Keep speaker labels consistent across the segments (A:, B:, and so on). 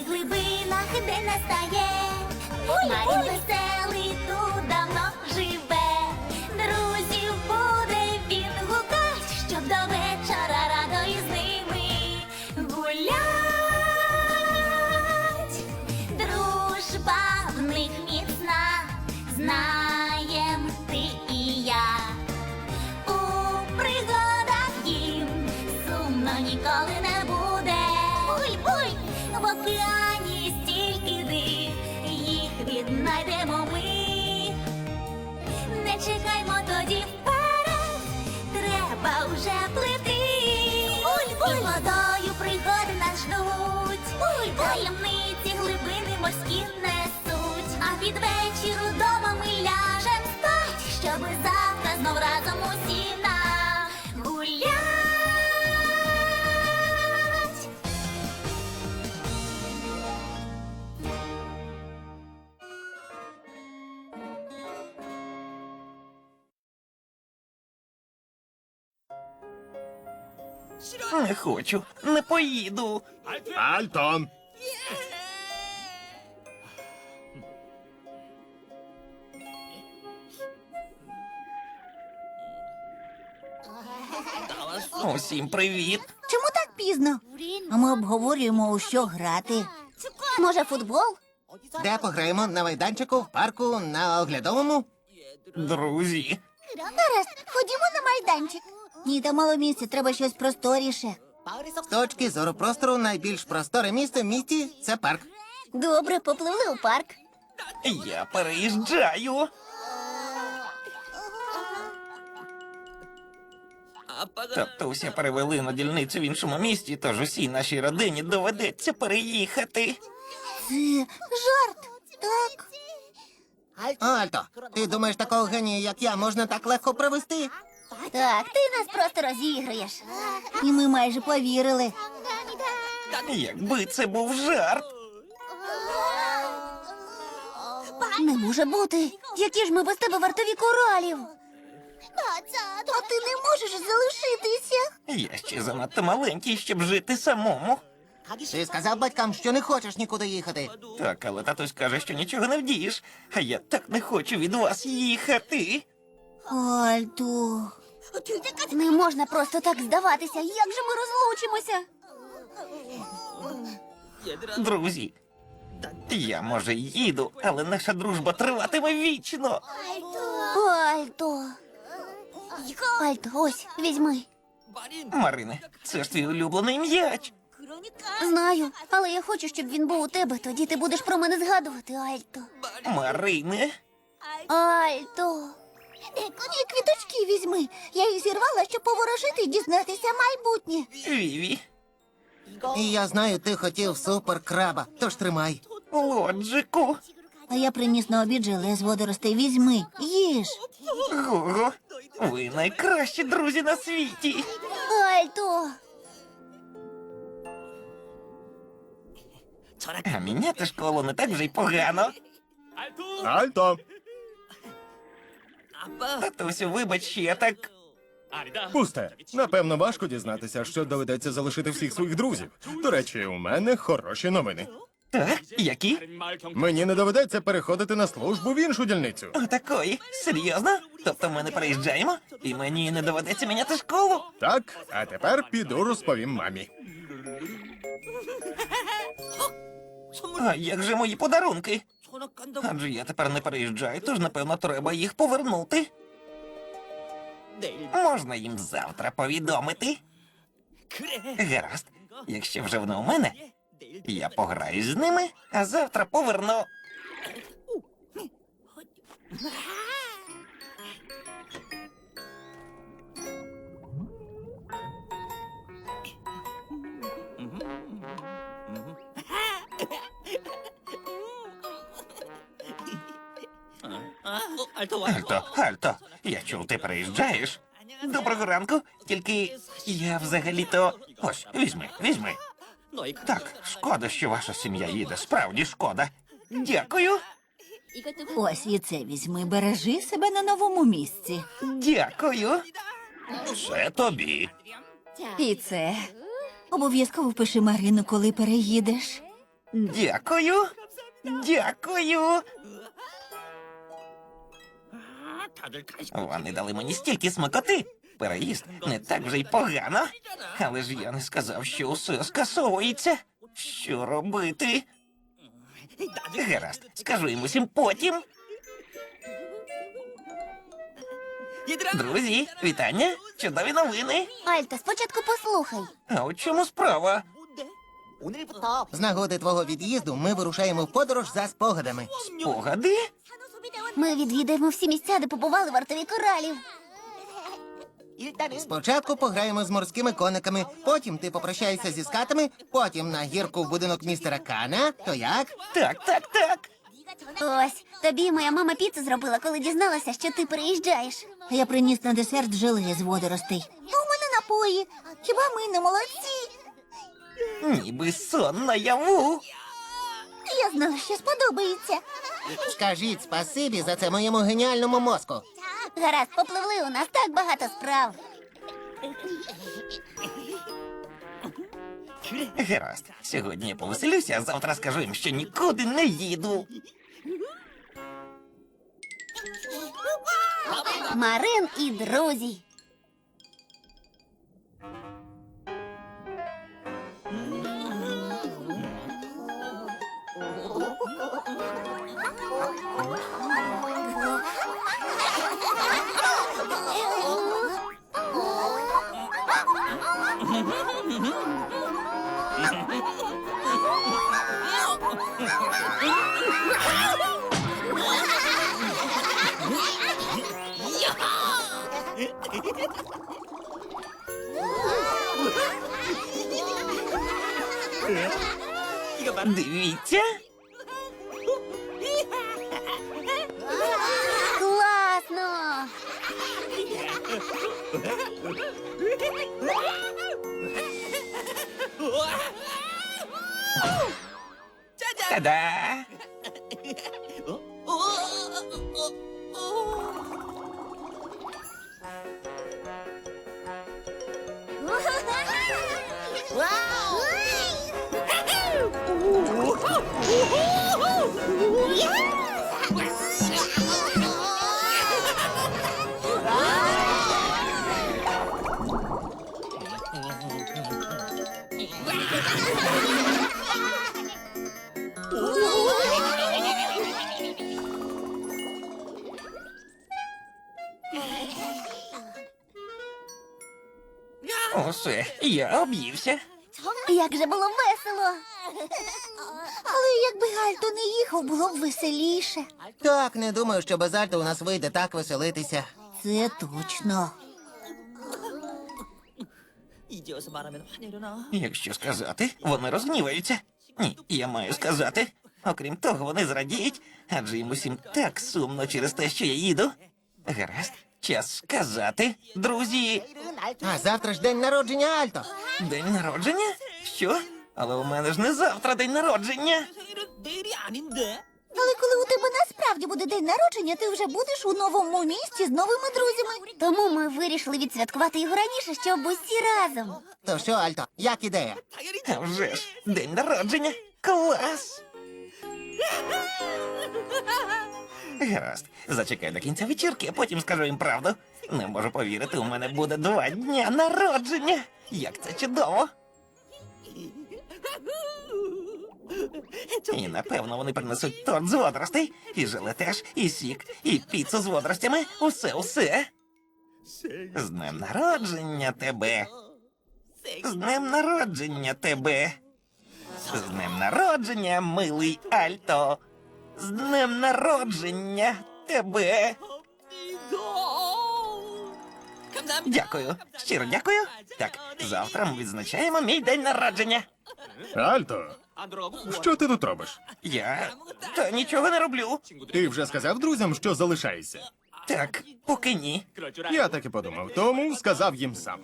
A: глибинах день настає. Марін веселий тут давно живе. Друзів буде він гукать, щоб до вечора радо із ними гулять. Дружба в них міцна, знаєм ти і я. У пригадах їм сумно ніколи не буде. Буй-буй! В океані стільки див, їх віднайдемо ми. Не чекаймо тоді вперед, треба вже плити. Буль-буль! І водою пригоди нас ждуть. Буль-буль! Таємниці глибини морські несуть. А під вечір удома ми ляжем спать, щоби завтра знов разом усі нагулять.
B: Не хочу, не поїду.
C: Альто!
B: Усім привіт.
D: Чому так пізно? А ми обговорюємо, у що грати. Може, футбол?
E: Де пограємо? На майданчику, в парку, на оглядовому?
B: Друзі,
D: Гаразд, ходімо на майданчик. Ні, там мало місця, треба щось просторіше.
E: З точки зору простору найбільш просторе місце в місті – це парк.
D: Добре, попливли у парк.
B: я переїжджаю. Татуся перевели на дільницю в іншому місті, тож усій нашій родині доведеться переїхати.
D: Це жарт, так?
E: Альто, ти думаєш, такого генія, як я, можна так легко провести?
D: Так, ти нас просто розігруєш. І ми майже повірили.
B: Якби це був жарт.
D: Не може бути. Які ж ми без тебе вартові коралів? А ти не можеш залишитися.
B: Я ще занадто маленький, щоб жити самому.
E: Ти сказав батькам, що не хочеш нікуди їхати.
B: Так, але татусь каже, що нічого не вдієш. А я так не хочу від вас їхати.
D: Альто. Не можна просто так здаватися. Як же ми розлучимося?
B: Друзі, я, може, й їду, але наша дружба триватиме вічно.
D: Альто. Альто, ось, візьми.
B: Марине, це ж твій улюблений м'яч.
D: Знаю, але я хочу, щоб він був у тебе. Тоді ти будеш про мене згадувати, Альто.
B: Марине,
D: Альто. Ні, квіточки візьми. Я їх зірвала, щоб поворожити і дізнатися майбутнє.
B: Віві,
E: І я знаю, ти хотів суперкраба, тож тримай.
B: Лоджику,
D: А я приніс на обід желе з водоростей. Візьми, їж.
B: Гого, ви найкращі друзі на світі.
D: Альто.
B: А міняти школу не так вже й погано.
C: Альто!
B: Татусю, вибач, що я так...
C: Пусте. Напевно, важко дізнатися, що доведеться залишити всіх своїх друзів. До речі, у мене хороші новини.
B: Так, які?
C: Мені не доведеться переходити на службу в іншу дільницю.
B: Отакої? Серйозно? Тобто ми не переїжджаємо? І мені не доведеться міняти школу?
C: Так, а тепер піду розповім мамі.
B: А як же мої подарунки? Адже я тепер не переїжджаю, тож, напевно, треба їх повернути. Можна їм завтра повідомити? Гаразд. Якщо вже воно у мене, я пограю з ними, а завтра поверну. Альто, я чув, ти переїжджаєш. Доброго ранку, тільки я взагалі-то... Ось, візьми. Так, шкода, що ваша сім'я їде, справді шкода. Дякую.
D: Ось і це візьми. Бережи себе на новому місці.
B: Дякую. Це тобі.
D: І це. Обов'язково впиши Марину, коли переїдеш.
B: Дякую. Дякую. Вони дали мені стільки смакоти. Переїзд не так вже й погано. Але ж я не сказав, що усе скасовується. Що робити? Гаразд, скажу їм усім потім. Друзі, вітання, чудові новини.
D: Альто, спочатку послухай.
B: А у чому справа?
E: З нагоди твого від'їзду ми вирушаємо в подорож за спогадами.
B: Спогади?
D: Ми відвідаємо всі місця, де побували вартові коралів.
E: Спочатку пограємо з морськими кониками, потім ти попрощаєшся зі скатами, потім на гірку в будинок містера Кана. То як?
B: Так, так, так.
D: Ось, тобі моя мама піцу зробила, коли дізналася, що ти переїжджаєш. Я приніс на десерт желе з водоростей. А у мене напої. Хіба ми не молодці?
B: Ніби сон наяву.
D: Я знала, що сподобається.
E: Скажіть спасибі за це моєму геніальному мозку.
D: Гаразд, попливли, у нас так багато справ.
B: Гаразд, сьогодні я повеселюся, а завтра скажу їм, що нікуди не їду.
D: Марин і друзі.
B: Дивіться.
D: Класно!
B: Та-да! Усе, я об'ївся.
D: Як же було весело! Але якби Гальто не їхав, було б веселіше.
E: Так, не думаю, що без Альто у нас вийде так веселитися.
D: Це точно.
F: 이제 와서 말하면 화내려나?
B: Якщо сказати, вони розгніваються. Ні, я маю сказати. Окрім того, вони зрадіють, адже їм усім так сумно через те, що я їду. Гаразд, час сказати, друзі.
E: А завтра ж день народження Альто.
B: День народження? Що? Але у мене ж не завтра день народження.
F: 생일은 내일이 아닌데?
D: Але коли у тебе насправді буде день народження, ти вже будеш у новому місті з новими друзями. Тому ми вирішили відсвяткувати його раніше, щоб усі разом.
E: То що, Альто, як ідея?
B: А вже ж, день народження. Клас! Гаразд, зачекай до кінця вечірки, а потім скажу їм правду. Не можу повірити, у мене буде 2 дня народження. Як це чудово! І напевно вони принесуть торт з водоростей, і желе теж, і сік, і піцу з водоростями. Усе. З днем народження тебе. З днем народження тебе. З днем народження, милий Альто. З днем народження тебе.
F: 감사합니다.
B: Дякую. Щиро дякую. Так, завтра ми відзначаємо мій день народження.
C: Альто,
F: 안 돌아가고
C: що ти тут робиш?
B: Я та нічого не роблю.
C: Ти вже сказав друзям, що залишаєшся?
B: Так, поки ні.
F: 그럴 줄
C: Я так і подумав, тому сказав їм сам.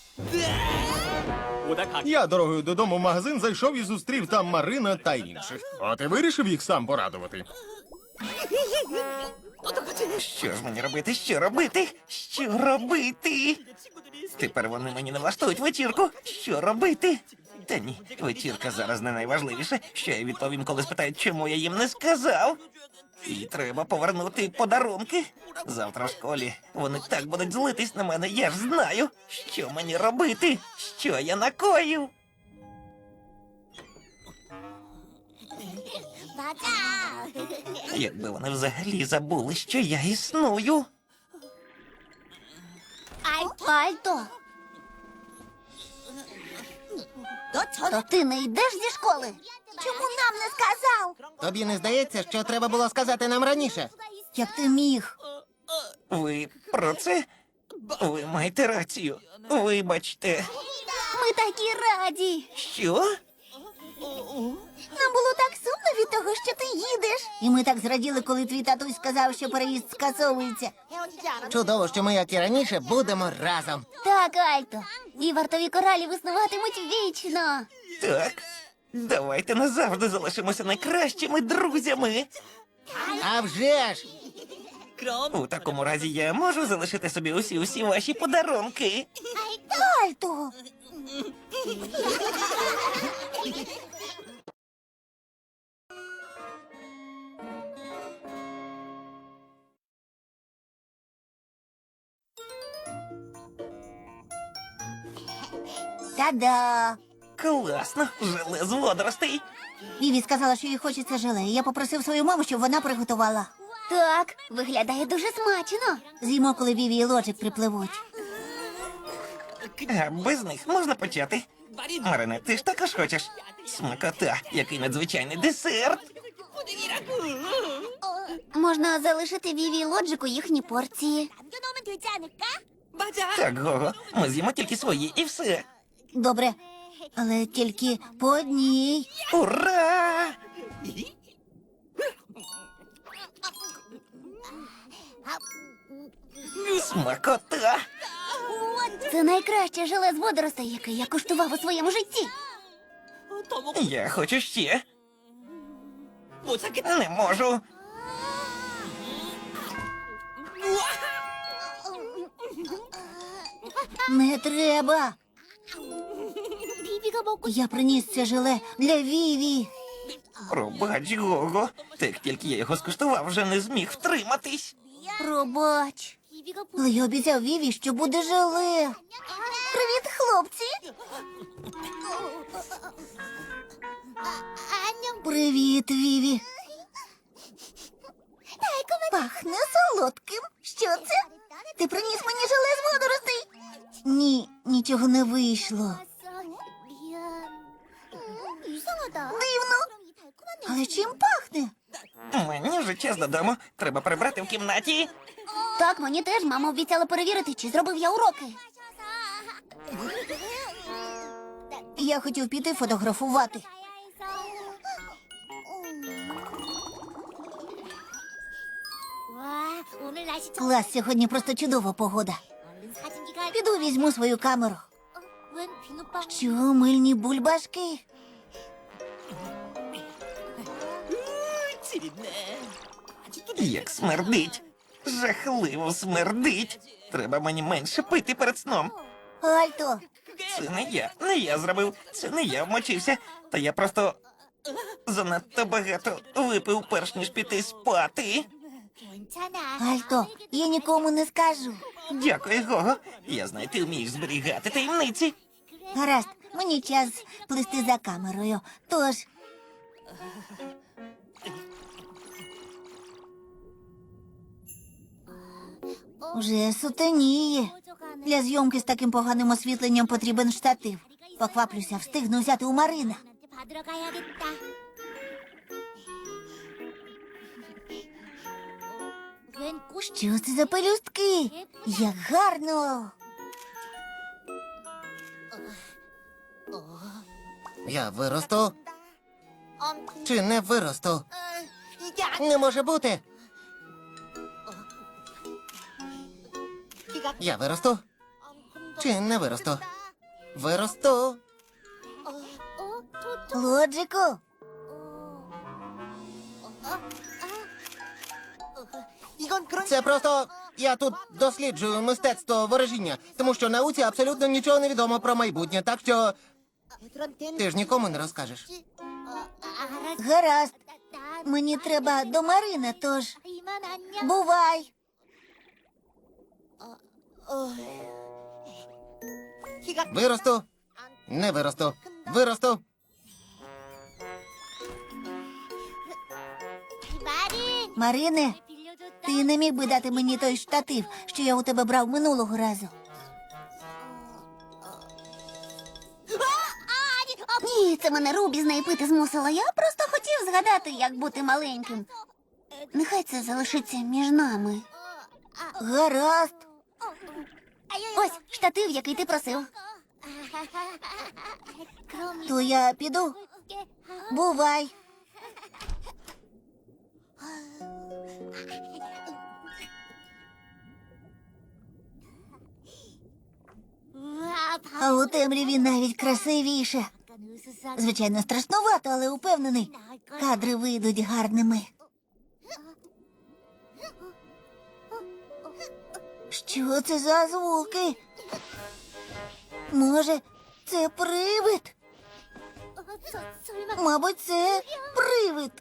F: 오다 가.
C: Я дорогою додому в магазин зайшов і зустрів там Марина та інших. От і вирішив їх сам порадувати.
B: Що ж мені робити? Що робити? Що робити? Тепер вони мені не влаштують вечірку. Що робити? Та ні, вечірка зараз не найважливіше. Що я відповім, коли спитають, чому я їм не сказав? І треба повернути подарунки. Завтра в школі вони так будуть злитись на мене, я ж знаю, що мені робити, що я накоїв. Якби вони взагалі забули, що я існую.
D: Альто, то ти не йдеш зі школи? Чому нам не сказав?
E: Тобі не здається, що треба було сказати нам раніше?
D: Як ти міг?
B: Ви про це? Ви маєте рацію. Вибачте.
D: Ми такі раді.
B: Що?
D: Нам було так сумно від того, що ти їдеш. І ми так зраділи, коли твій татусь сказав, що переїзд скасовується.
E: Чудово, що ми, як і раніше, будемо разом.
D: Так, Альто. І вартові коралі виснуватимуть вічно.
B: Так. Давайте назавжди залишимося найкращими друзями.
E: А вже ж!
F: 그럼
B: У такому разі я можу залишити собі усі ваші подарунки.
D: Альто. Та-да!
B: Класно, желе з водоростей.
D: Віві сказала, що їй хочеться желе. Я попросив свою маму, щоб вона приготувала. Так, виглядає дуже смачно. З'їмо, коли Віві і Лоджик припливуть.
B: А без них можна почати. Марине, ти ж також хочеш? Смакота, який надзвичайний десерт.
D: Можна залишити Віві і Лоджику їхні порції.
F: 맞아.
B: Так, Гого, ми з'їмо тільки свої і все.
D: Добре, але тільки по одній.
B: Ура! Смакота!
D: Це найкраще желе з водоростей, яке я куштував у своєму житті.
F: 더 먹고
B: Я хочу ще.
F: 못 찾겠다.
B: Не можу.
D: Не треба. Я приніс це желе для Віві.
B: Пробач, Гого. Так тільки я його скуштував, вже не зміг втриматись.
D: Пробач. Але я обіцяв Віві, що буде желе. Привіт, хлопці. Привіт, Віві. Пахне солодким. Що це? Ти приніс мені желе з водоростей? Ні, нічого не вийшло. Дивно. Але чим пахне?
B: Мені вже час додому. Треба прибрати в кімнаті.
D: Так, мені теж мама обіцяла перевірити, чи зробив я уроки. Я хотів піти фотографувати. Клас, сьогодні просто чудова погода. Піду візьму свою камеру. Що, мильні бульбашки?
F: 찌릿네.
B: Як смердить. Жахливо смердить. Треба мені менше пити перед сном.
D: Альто,
B: Це не я зробив. Це не я вмочився. Та я просто занадто багато випив, перш ніж піти спати.
D: Альто, я нікому не скажу.
B: Дякую, Гого. Я знаю, ти вмієш зберігати таємниці.
D: Гаразд, мені час плисти за камерою. Тож. Уже сутеніє. Для зйомки з таким поганим освітленням потрібен штатив. Покваплюся, встигну взяти у Марина. Що це за пелюстки? Як гарно!
E: Я виросту? Чи не виросту? Не може бути. Я виросту? Чи не виросту? Виросту.
D: Лоджику,
E: Це просто я тут досліджую мистецтво ворожіння, тому що науці абсолютно нічого не відомо про майбутнє, так що Ти ж нікому не розкажеш.
D: Гаразд. Мені треба до Марини, тож бувай.
E: Виросту. Не виросту. Виросту.
D: Марине, ти не міг би дати мені той штатив, що я у тебе брав минулого разу. Ні, це мене Рубі з неї пити змусила. Я просто хотів згадати, як бути маленьким. Нехай це залишиться між нами. Гаразд. Ось штатив, який ти просив. То я піду. Бувай. А у темряві навіть красивіше. Звичайно, страшнувато, але упевнений, кадри вийдуть гарними. Що це за звуки? Може, це привид? Мабуть, це привид.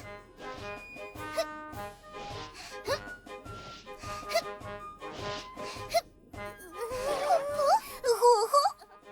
D: Гого?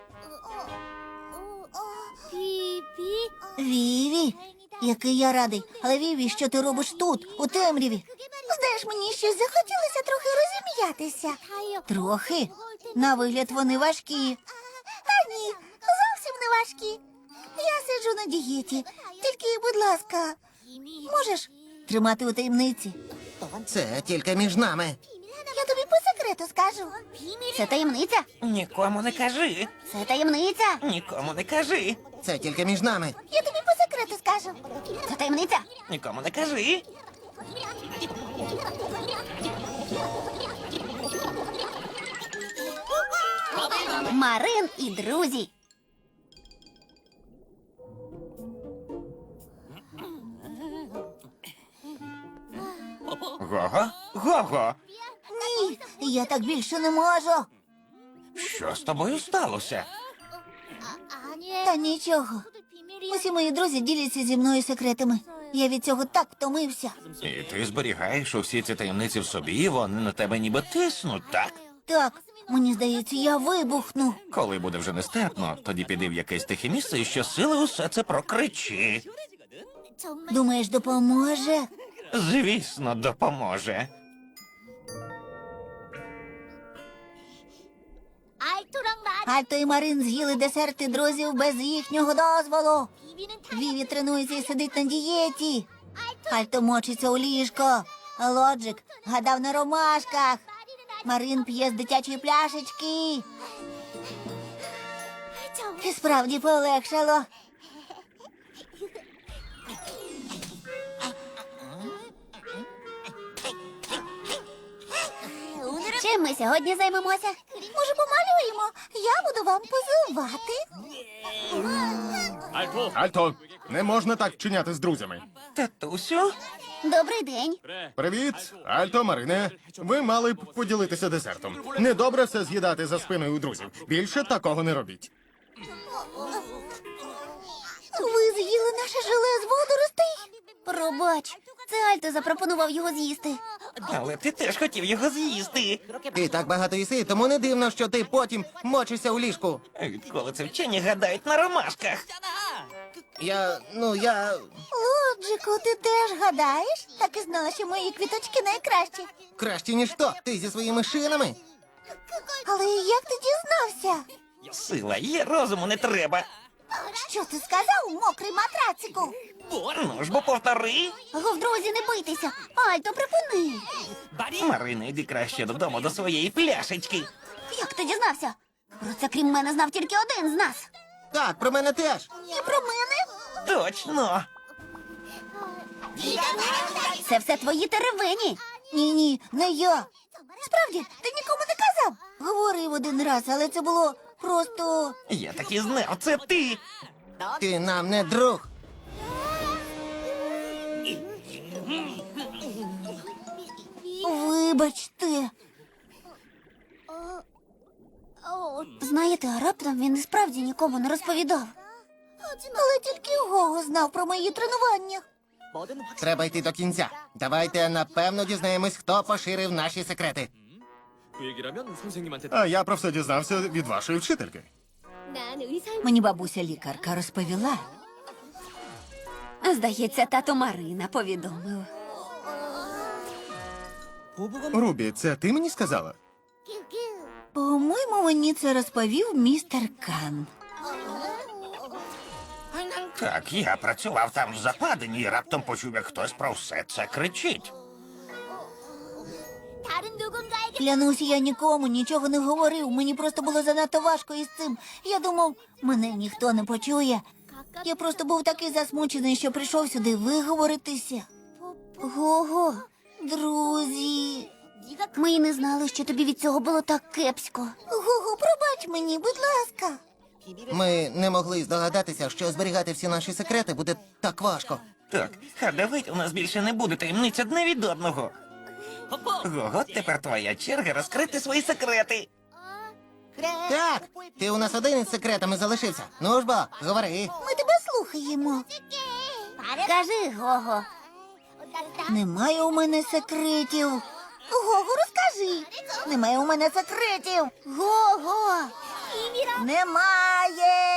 D: Віві, який я радий. Але Віві, що ти робиш тут, у темряві? Знаєш, мені щось захотілося трохи розім'ятися. Трохи? На вигляд вони важкі. Та ні, зовсім не важкі. Я сиджу на дієті. Тільки, будь ласка, можеш тримати у таємниці?
E: Це тільки між нами.
D: Я тобі по секрету скажу. Це таємниця?
B: Нікому не кажи.
D: Це таємниця.
B: Нікому не кажи.
E: Це тільки між нами.
D: Я тобі по секрету скажу. Це таємниця.
B: Нікому не кажи.
D: Марин і друзі.
B: Гого? Гого!
D: Ні, я так більше не можу.
B: Що з тобою сталося?
D: Та нічого. Усі мої друзі діляться зі мною секретами. Я від цього так втомився.
B: І ти зберігаєш усі ці таємниці в собі, і вони на тебе ніби тиснуть, так?
D: Так, мені здається, я вибухну.
B: Коли буде вже нестерпно, тоді піди в якесь тихе місце і щосили усе це прокричи.
D: Думаєш, допоможе?
B: Звісно, допоможе.
D: Альто і Марин з'їли десерти друзів без їхнього дозволу. Віві тренується і сидить на дієті. Альто мочиться у ліжко. Лоджик гадав на ромашках. Марин п'є з дитячої пляшечки. І справді полегшало. Чим ми сьогодні займемося? Може, помалюємо? Я буду вам позивати.
C: Альто, не можна так вчиняти з друзями.
B: Татусю?
D: Добрий день.
C: Привіт, Альто, Марине. Ви мали б поділитися десертом. Недобре все з'їдати за спиною у друзів. Більше такого не робіть.
D: Ви з'їли наше желе з водоростей? Пробач, це Альто запропонував його з'їсти.
B: Але ти теж хотів його з'їсти.
E: Ти так багато їси, тому не дивно, що ти потім мочишся у ліжку.
B: Відколи це вчені гадають на ромашках?
E: Я.
D: Лоджику, ти теж гадаєш? Так і знала, що мої квіточки найкращі.
E: Краще, ніж то. Ти зі своїми шинами.
D: Але як ти дізнався?
B: Сила є, розуму не треба.
D: Що ти сказав, мокрий матрацику?
B: Ну ж бо повтори.
D: Гов, друзі, не бийтеся. Альто, припини.
B: Марина, йди краще додому до своєї пляшечки.
D: Як ти дізнався? Про це, крім мене, знав тільки один з нас.
E: Так, про мене теж.
D: І про мене?
B: Точно.
D: Це все твої теревені. Ні, не я. Справді, ти нікому не казав. Говорив один раз, але це було просто...
B: Я так і знав, це ти.
E: Ти нам не друг.
D: Вибачте. Знаєте, а раптом він і справді нікому нікому не розповідав. Але тільки Гого знав про мої тренування.
F: 뭐든 확실히
E: Треба йти до кінця. Давайте напевно дізнаємось, хто поширив наші секрети.
F: 그 얘기라면 선생님한테
C: А я про все дізнався від вашої вчительки.
D: Мені бабуся лікарка розповіла.
G: Здається, тато Марина повідомив.
F: 보부가
C: Рубі, це ти мені сказала?
D: По-моєму, мені це розповів містер Кан.
B: Так, я працював там в западині і раптом почув, як хтось про все це кричить.
D: Клянусь, я нікому нічого не говорив. Мені просто було занадто важко із цим. Я думав, мене ніхто не почує. Я просто був такий засмучений, що прийшов сюди виговоритися. Гого, друзі. Ми й не знали, що тобі від цього було так кепсько. Гого, пробач мені, будь ласка.
E: Ми не могли здогадатися, що зберігати всі наші секрети буде так важко.
B: Так, а давайте у нас більше не буде таємниць одне від одного. Гого, тепер твоя черга розкрити свої секрети.
E: Так, ти у нас один із секретами залишився. Ну ж бо, говори.
D: Ми тебе слухаємо. Кажи, Гого. Немає у мене секретів. Гого, розкажи. Немає у мене секретів. Гого. Немає.